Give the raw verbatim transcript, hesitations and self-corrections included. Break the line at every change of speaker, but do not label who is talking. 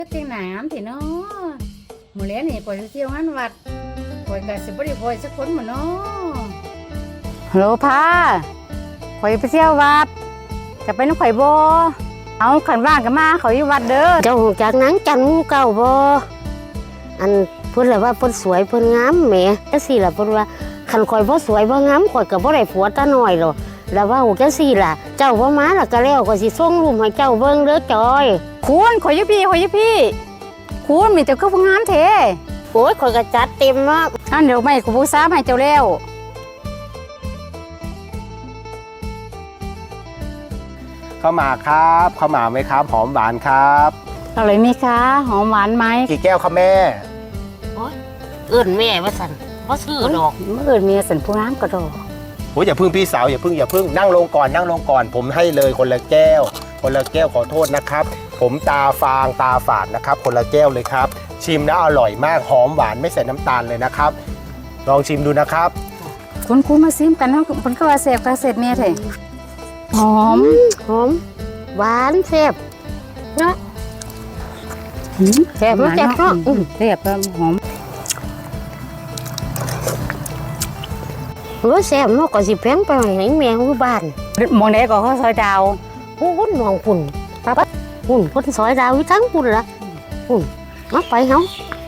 ก็เตียงหนามสิเนาะหมู่เลี้ยนี่ปล่อยเที่ยวงานวัดปล่อยกับสิบริปล่อยสักคนหมดเนาะฮัลโหลพาข่อยไปเที่ยววัดจะไปน้ำข่อยบ่เอาขันว่างกันมาเขาอยู่วัดเด้อ
เจ้าจากนั้นจันมูเก่าบ่อันเพิ่นเลยว่าเพิ่นสวยเพิ่นงามแหมจังซี่ล่ะเพิ่นว่าคันข่อยบ่สวยบ่งามข่อยก็บ่ได้ผัวตาน้อยหรอกแล้วว่าจังซี่ล่ะเจ้าบ่มาแล้วก็แล้วก็สิส่งรูปให้เจ้าเบิ่งเด้อจอย
คุณข่อยอยู่พี่ข่อยอยู่พี่คุณมีแต่ก็ผู้งามแท้
โอ้ยข่อยก็จัดเต็มเนาะ
อันเดี๋ยวไม่กูบูซาให้เจ้าแล้ว
ข้าวหมากครับข้าวหมากไหมครับหอมหวานครับ
เอาเลยมีคะหอมหวานไหม
กี่แก้วครับแม่
โอ้ยเอิ้นแม่ว่าซั่นบ่ซื้อดอก
เมื่ออื่นมีสันผู้งามก็ดอก
โอ้ยอย่าพึ่งพี่สาวอย่าพึ่งอย่าพึ่งนั่งลงก่อนนั่งลงก่อนผมให้เลยคนละแก้ว คนละแก้วขอโทษนะครับ ผมตาฟางตาฝาดนะครับ คนละแก้วเลยครับ ชิมแล้วอร่อยมากหอมหวานไม่ใส่น้ำตาลเลยนะครับ ลองชิมดูนะครับ
คุณคุณมาซิมกันเนาะมันก็ว่าเสพกระเสพเมียเถอะหอม
หอมหวานแซ่บเนาะ
แซ่บ
มันแซ่บเนาะ
อืมแซ่บแล้วหอม
โอ้ยแซ่บเนาะก็สิแพงไปให้แม่อยู่บ้าน
มองไหนก็เขาซอยดาว
โอ้คนมองพุ่นปั๊บพุ่นพุ่นซอยดาวอยู่ทั้งพุ่นละพุ่นมาไปเฮา